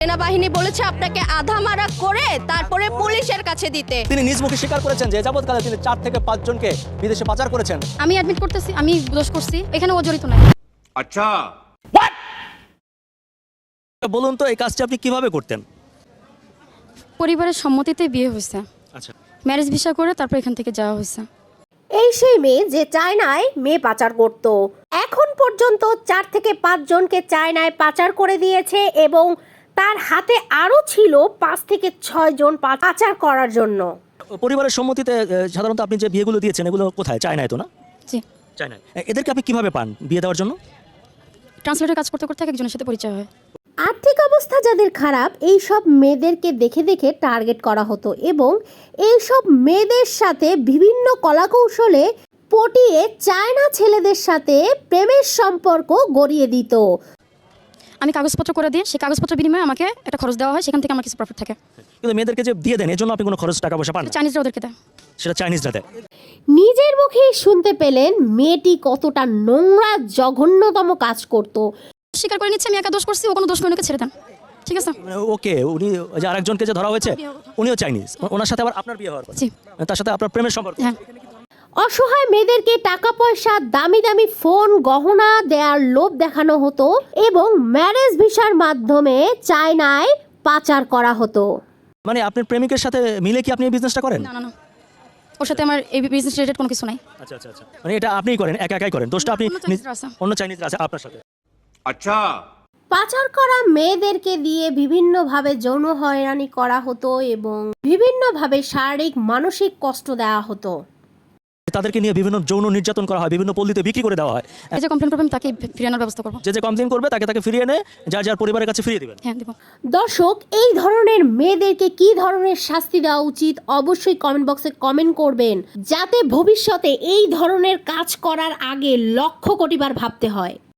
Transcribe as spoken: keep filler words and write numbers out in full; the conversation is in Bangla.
সেনাবাহিনী বলেছে আপনাকে আধা মারা করে তারপরে পুলিশের কাছে দিতে। তিনি নিজ মুখে স্বীকার করেছেন যে যাবৎকালে তিনি চার থেকে পাঁচ জনকে বিদেশে পাচার করেছেন। আমি অ্যাডমিট করতেছি, আমি দোষ করছি, এখানে ও জড়িত নাই। আচ্ছা, বলুন তো এই কাজটি আপনি কিভাবে করতেন? পরিবারের সম্মতিতে বিয়ে হয়েছে, আচ্ছা, ম্যারেজ ভিসা করে তারপর এখান থেকে যাওয়া হয়েছে। এই সেই মেয়ে যে চায়নায় মেয়ে পাচার করত। এখন পর্যন্ত চার থেকে পাঁচ জনকে চায়নায় পাচার করে দিয়েছে এবং তার হাতে আরও ছিল পাঁচ থেকে ছয় জন পাচার করার জন্য। পরিবারের সম্মতিতে আহ, সাধারণত আপনি যে বিয়েগুলো দিয়েছেন এগুলো কোথায়? চায়নায় তো না? জি, চায়নায়। এদেরকে আপনি কিভাবে পান বিয়ে দেওয়ার জন্য? ট্রান্সলেটর কাজ করতে করতে একজনের সাথে পরিচয় হয়। আর্থিক অবস্থা যাদের খারাপ এই সব মেয়েদেরকে দেখে দেখে টার্গেট করা হতো এবং এই সব মেয়েদের সাথে বিভিন্ন কলাকৌশলে পটিয়ে চায়না ছেলেদের সাথে প্রেমের সম্পর্ক গড়িয়ে দিত। আমি কাগজপত্র করে দিই, সেই কাগজপত্র বিনিময়ে আমাকে একটা খরচ দেওয়া হয়, সেখান থেকে আমার কিছু প্রফিট থাকে। কিন্তু মেয়েদেরকে যে দিয়ে দেন এর জন্য আপনি কোনো খরচ টাকা পয়সা পান না? চাইনিজরা ওদেরকে দেয়। সেটা চাইনিজরা দেয়। নিজের মুখেই শুনতে পেলেন মেয়েটি কতটা নোংরা জঘন্যতম কাজ করত। স্বীকার করে নিচ্ছে আমি একা দোষ করছি, ও কোনো দোষ করে ওনাকে ছেড়ে দেন, ঠিক আছে? ওকে, উনি যে আরেকজনকে যে ধরা হয়েছে উনিও চাইনিজ, ওনার সাথে আবার আপনার বিয়ে হওয়ার কথা, জি, তার সাথে আপনার প্রেমের সম্পর্ক। হ্যাঁ। অসহায় মেয়েদেরকে টাকা পয়সা, দামি দামি ফোন, গহনা দেওয়ার লোভ দেখানো হতো এবং ম্যারেজ ভিসার মাধ্যমে চায়নায় পাচার করা হতো। মানে আপনার প্রেমিকের সাথে মিলে কি আপনি এই বিজনেসটা করেন? না না না, ওর সাথে আমার এই বিজনেস রিলেটেড কোনো কিছু নাই। আচ্ছা আচ্ছা আচ্ছা, মানে এটা আপনিই করেন, একা একাই করেন? দোষটা আপনি অন্য চাইনিজরা আছে। অন্য চাইনিজরা আছে আপনার সাথে? আচ্ছা, পাচার করা মেয়েদেরকে দিয়ে বিভিন্নভাবে যৌন হয়রানি করা হতো এবং বিভিন্নভাবে শারীরিক মানসিক কষ্ট দেওয়া হতো। তাদেরকে নিয়ে বিভিন্ন যৌন নির্যাতন করা হয়, বিভিন্ন পল্লীতে বিক্রি করে দেওয়া হয়। এই যে কমপ্লেন করবেন তাকে ফিরানোর ব্যবস্থা করবো। যে যে কমপ্লেন করবে তাকে তাকে ফিরিয়ে এনে যার যার পরিবারের কাছে ফিরিয়ে দিবেন। হ্যাঁ, দিব। দর্শক, এই ধরনের মেয়েদেরকে কি ধরনের শাস্তি দেওয়া উচিত অবশ্যই কমেন্ট বক্সে কমেন্ট করবেন, যাতে ভবিষ্যতে এই ধরনের কাজ করার আগে লক্ষ কোটিবার ভাবতে হয়।